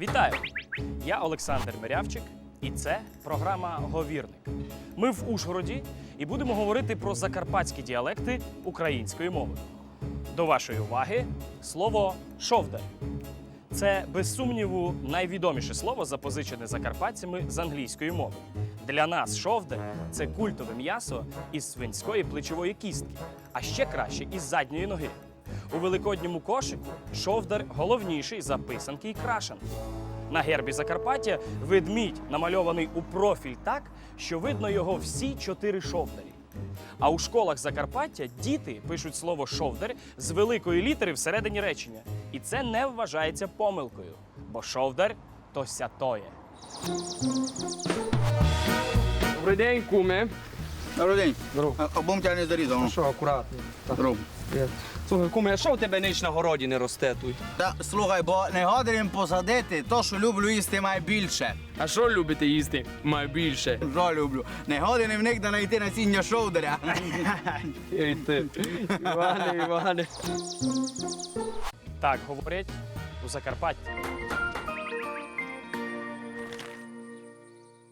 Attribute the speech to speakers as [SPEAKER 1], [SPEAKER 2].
[SPEAKER 1] Вітаю! Я Олександр Мирявчик, і це програма «Говірник». Ми в Ужгороді і будемо говорити про закарпатські діалекти української мови. До вашої уваги слово «шовдар». Це, без сумніву, найвідоміше слово, запозичене закарпатцями з англійської мови. Для нас шовдар – це культове м'ясо із свинської плечової кістки, а ще краще – із задньої ноги. У великодньому кошику шовдар головніший за писанки і крашанки. На гербі Закарпаття ведмідь намальований у профіль так, що видно його всі 4 шовдарі. А у школах Закарпаття діти пишуть слово «шовдар» з великої літери всередині речення. І це не вважається помилкою, бо шовдар – то сятоє.
[SPEAKER 2] Добрий день, куме.
[SPEAKER 3] Добрий день.
[SPEAKER 2] Здорово.
[SPEAKER 3] Обом тебе не зарізав.
[SPEAKER 2] Ну що, акуратно. Так.
[SPEAKER 3] Здорово.
[SPEAKER 2] Привіт. Слухай, куме, а що у тебе ніч на городі не росте тут?
[SPEAKER 3] Та слухай, бо не годин посадити, то, що люблю їсти, має більше.
[SPEAKER 2] А що любите їсти? Маю більше.
[SPEAKER 3] Що люблю? Не годин в них да знайти насіння шовдаря.
[SPEAKER 2] Ей ти. Іване.
[SPEAKER 1] Так говорять у Закарпатті.